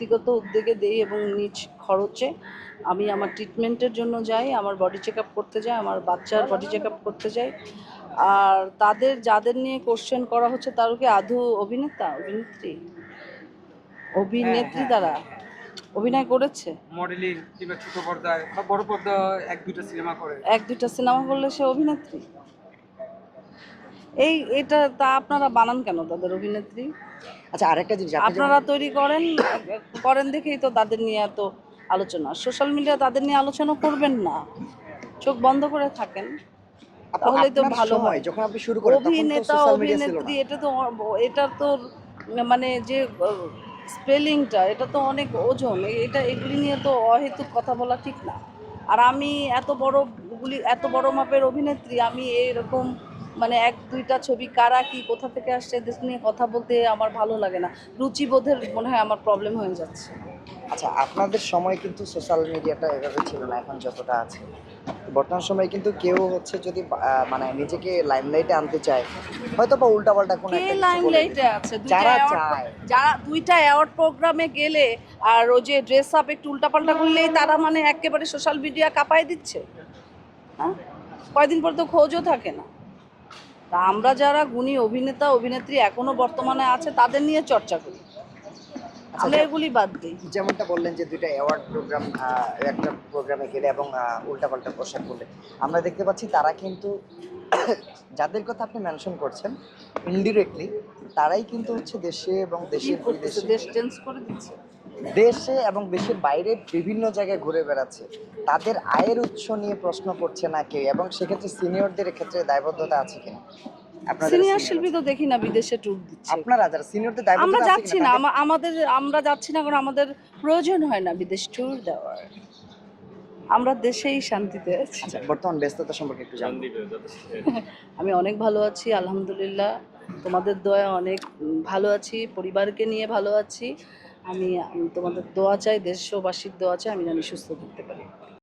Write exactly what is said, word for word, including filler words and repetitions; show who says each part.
Speaker 1: ব্যক্তিগত উদ্যোগে দেই এবং নিজ খরচে আমি আমার ট্রিটমেন্টের জন্য যাই, আমার বডি চেক আপ করতে যাই, আমার বাচ্চার বডি চেক আপ করতে যাই। আর তাদের যাদের নিয়ে কোশ্চেন করা হচ্ছে তারা কি আদৌ অভিনেতা অভিনেত্রী অভিনেত্রী তারা অভিনয় করেছে?
Speaker 2: মডেলিং কিংবা ছোট পর্দায় বা বড় পর্দা এক দুইটা সিনেমা করে
Speaker 1: এক দুইটা সিনেমা করলে সে অভিনেত্রী? এই এটা তা আপনারা বানান কেন তাদের অভিনেত্রী?
Speaker 3: আচ্ছা, আরেকটা জিনিস
Speaker 1: আপনারা তৈরি করেন করেন দেখেই তো তাদের নিয়ে এত আলোচনা। সোশ্যাল মিডিয়া তাদের নিয়ে আলোচনা করবেন না, চোখ বন্ধ করে থাকেন, তাহলে তো ভালো হয়।
Speaker 3: যখন আপনি শুরু করেন তখন তো
Speaker 1: অভিনেতা
Speaker 3: সোশ্যাল মিডিয়া ছিল
Speaker 1: অভিনেত্রী
Speaker 3: না।
Speaker 1: এটা তো এটা তো মানে যে স্পেলিংটা এটা তো অনেক ওজন, এটা এগুলি নিয়ে তো অহেতুক কথা বলা ঠিক না। আর আমি এত বড় গুলি এত বড় মাপের অভিনেত্রী, আমি এইরকম মানে এক দুইটা ছবি কারা কি কোথা থেকে আসছে এদের নিয়ে কথা বলতে আমার ভালো লাগে না। রুচিবোধের মনে হয় আমার প্রবলেম হয়ে যাচ্ছে।
Speaker 3: আচ্ছা, আপনাদের সময় কিন্তু সোশ্যাল মিডিয়াটা এভাবে ছিল না এখন যতটা আছে। বর্তমান সময়ে কিন্তু কেউ হচ্ছে যদি আহ, মানে নিজেকে লাইমলাইটে আনতে চায়, হয়তো বা উল্টাপাল্টা কোনো
Speaker 1: কে
Speaker 3: একটা কিছু বলে
Speaker 1: লাইমলাইটে
Speaker 3: দিচ্ছে।
Speaker 1: আছে? দুইটা
Speaker 3: যারা
Speaker 1: অ্যাওয়ার্ড
Speaker 3: চায়
Speaker 1: যারা দুইটা অ্যাওয়ার্ড প্রোগ্রামে গেলে আর ওই যে ড্রেস আপ একটু উল্টাপাল্টা করলেই তারা মানে একেবারে সোশ্যাল মিডিয়া কাঁপায় দিচ্ছে। হ্যাঁ, কয়দিন পর তো খোঁজও থাকে না। তা আমরা যারা গুণী অভিনেতা অভিনেত্রী এখনো বর্তমানে আছে তাদের নিয়ে চর্চা করি, আমরা এগুলি বাদ দিই।
Speaker 3: যেমনটা বললেন যে দুইটা অ্যাওয়ার্ড প্রোগ্রাম একটা প্রোগ্রামে গেলে এবং উল্টাপাল্টা পোশাক করলে আমরা দেখতে পাচ্ছি তারা কিন্তু যাদের কথা আপনি মেনশন করছেন ইনডিরেক্টলি তারাই কিন্তু হচ্ছে দেশে এবং দেশের বিদেশে
Speaker 1: দেশ চেঞ্জ করে দিচ্ছে,
Speaker 3: দেশে এবং দেশের বাইরে বিভিন্ন জায়গায় ঘুরে বেড়াচ্ছে। তাদের আয়ের উৎস নিয়ে প্রশ্ন করছে না কেউ, এবং সেক্ষেত্রে সিনিয়রদের ক্ষেত্রে দায়বদ্ধতা আছে কিনা?
Speaker 1: সিনিয়র শিল্পী তো দেখি না বিদেশে ট্যুর দিচ্ছে।
Speaker 3: আপনারা যারা সিনিয়রদের
Speaker 1: আমরা
Speaker 3: দায়বদ্ধতা আছে
Speaker 1: যাচ্ছি
Speaker 3: কিনা?
Speaker 1: না, আমা- আমাদের আমরা যাচ্ছি না কারণ আমাদের প্রয়োজন হয় না বিদেশ ট্যুর দেওয়ার, আমরা দেশেই শান্তিতে আছি।
Speaker 3: আচ্ছা, বর্তমান ব্যস্ততা সম্পর্কে একটু জানতে।
Speaker 1: আমি অনেক ভালো আছি আলহামদুলিল্লাহ, তোমাদের দোয়া অনেক উম, ভালো আছি, পরিবারকে নিয়ে ভালো আছি। আমি আমি তোমাদের দোয়া চাই, দেশবাসীর দোয়া চাই, আমি জানি সুস্থ থাকতে পারি।